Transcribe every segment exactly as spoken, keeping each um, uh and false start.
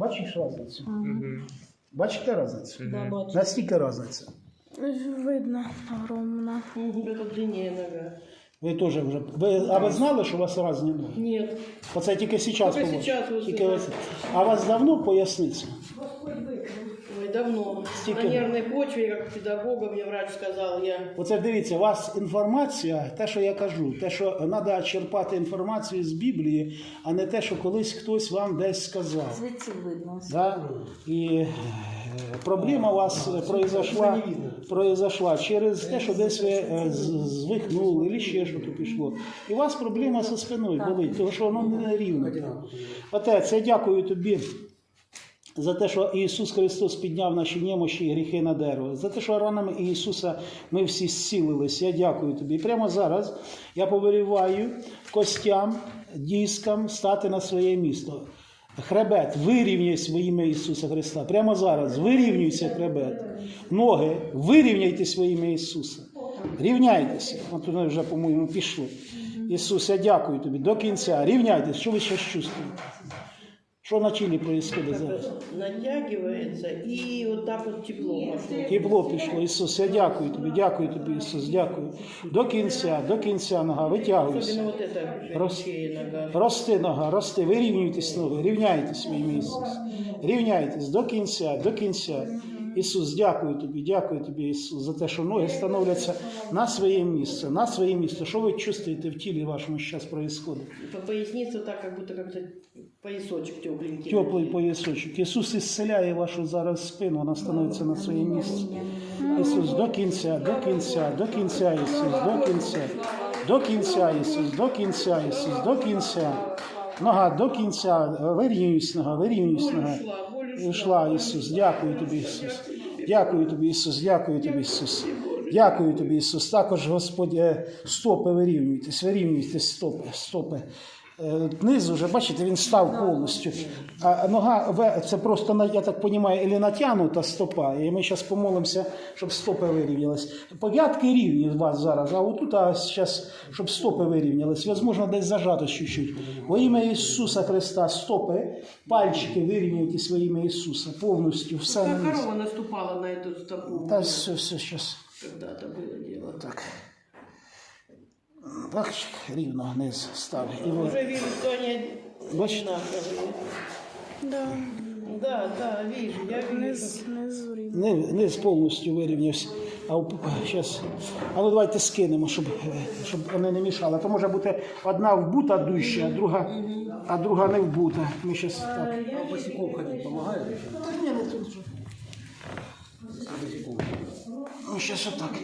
Бачиш різницю? Угу. Бачите різницю? Да, бачу. Наскільки різниця? Видно, огромно. Это длиннее нога. Ви теж вже. Ви, а ви знали, що у вас різні ноги? Нет. Оце тільки зараз Тільки побачили? сейчас ось Тільки так. ось. А у вас давно поясниця? Ой, давно. Стільки? На нервной почве, как педагога, мне врач сказал, я... Оце дивіться, у вас інформація, те, що я кажу, те, що треба черпати інформацію з Біблії, а не те, що колись хтось вам десь сказав. Звідси видно. Да? І е, проблема у вас произошла, произошла через те, що десь ви е, з- звихнули, або ще щось пішло. І у вас проблема зі спиною болить, тому що воно не рівно. Отець, я дякую тобі за те, що Ісус Христос підняв наші немощі і гріхи на дерево. За те, що ранами Ісуса ми всі зцілились. Я дякую тобі. І прямо зараз я повеліваю костям, дискам стати на своє місто. Хребет, вирівняйся во ім'я Ісуса Христа. Прямо зараз вирівнюйся хребет. Ноги, вирівняйтесь во ім'я Ісуса. Рівняйтеся. От вони вже, по-моєму, пішли. Ісус, я дякую тобі. До кінця. Рівняйтесь. Що ви зараз чувствуєте? Что на Чили происходит зараз? Натягивается и вот так вот тепло пошло. Тепло пішло, Ісус, я дякую тобі, дякую тобі, Ісус, дякую. До кінця, до кінця нога, витягуйся. Особенно вот эта Рос- шея нога. Рости нога, рости, вирівнюйтесь ноги, рівняйтесь в ім'я Ісус. Рівняйтесь до кінця, до кінця. Ісус, дякую тобі, дякую тобі, Ісус, за те, що ноги становляться на своє місце, на своє місце. Що ви чувствуєте в тілі вашому, що зараз відбувається? По пояснице так, как будто как-то поясочек тепленький. Теплий поясочок. Ісус ісцеляє вашу зараз спину, вона становиться на своє місце. Ісус, до кінця, до кінця, до кінця, Ісус, до кінця, до кінця, Ісус, до кінця, Ісус, до кінця. Нога до кінця, вирівнюйся нога, вирівнюйся нога. Йшла, Ісус, дякую тобі, Ісус. Дякую тобі, Ісус, дякую тобі, Ісус. Дякую тобі, Ісус. Також, Господь, е, стопи вирівнюйтесь, вирівнюйтесь стопи, стопи. Е, Низ уже, бачите, він став повністю. А нога, ве- це просто, на- я так розумію, і натягнута стопа. І ми зараз помолимося, щоб стопи вирівнялись. Пов'ятки рівні у вас зараз, а отут, а зараз, щоб стопи вирівнялись. Можливо, десь зажато чуть-чуть. Во ім'я Ісуса Христа, стопи, пальчики вирівнюйтесь во ім'я Ісуса, повністю, все на Как низ. корова наступала на эту стопу. Та все, все, зараз. Когда-то было дело. Так. Так, рівно вниз став. І ви- Уже вижу, что они Бачите? одинаковые. Да, Да, да, вижу, я вижу. низ, низ рівно. Низ, низ повністю вирівнявся. А, у- щас. А ну давайте скинемо, щоб, е, щоб вони не мішали. То може бути одна вбута дужча, а друга, а друга не вбута. Ми щас так. А босиком ходить помогает? Ні, не тут вже. Ну, щас отак.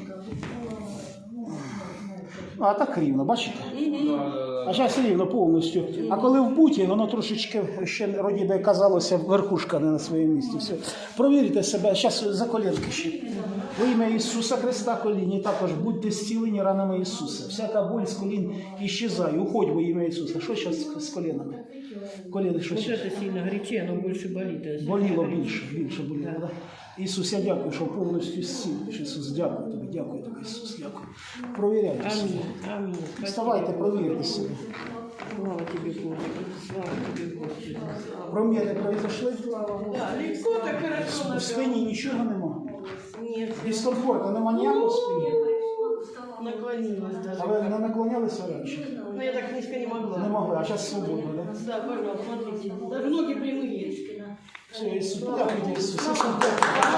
А так рівно, бачите? А зараз рівно повністю. А коли в буті, воно трошечки ще роді би казалося, верхушка не на своєму місці. Все. Провірте себе, зараз за колінки ще. Во ім'я Ісуса Христа коліні також будьте зцілені ранами Ісуса. Всяка боль з колін іщезає. Уходь во ім'я Ісуса. Що зараз з колінами? Коліни що Вот щас? это сильно горячее, оно больше болит. а сильно Боліло горячее. більше, більше боліло. Да? Ісус, я дякую, що повністю зцілиш. Ісус, дякую тобі, дякую тобі, Ісус, дякую. Провіряйте себе. Аминь, аминь. Спасибо. Вставайте, провірте себе. Слава тебе, Господи, слава тебе, Господи. Проміри произошли? Да, легко так хорошо. В спині нічого нема. Нет, Дискомфорту нема ніякого в спині. наклонилась А ви даже. не наклонялися раніше? Но я так низко не могла. Не могли, а зараз свободно, так? Да, пожалуйста, смотрите. Даже ноги прямые. Все, Ісус, дякую, Ісус. Ісус, дякую.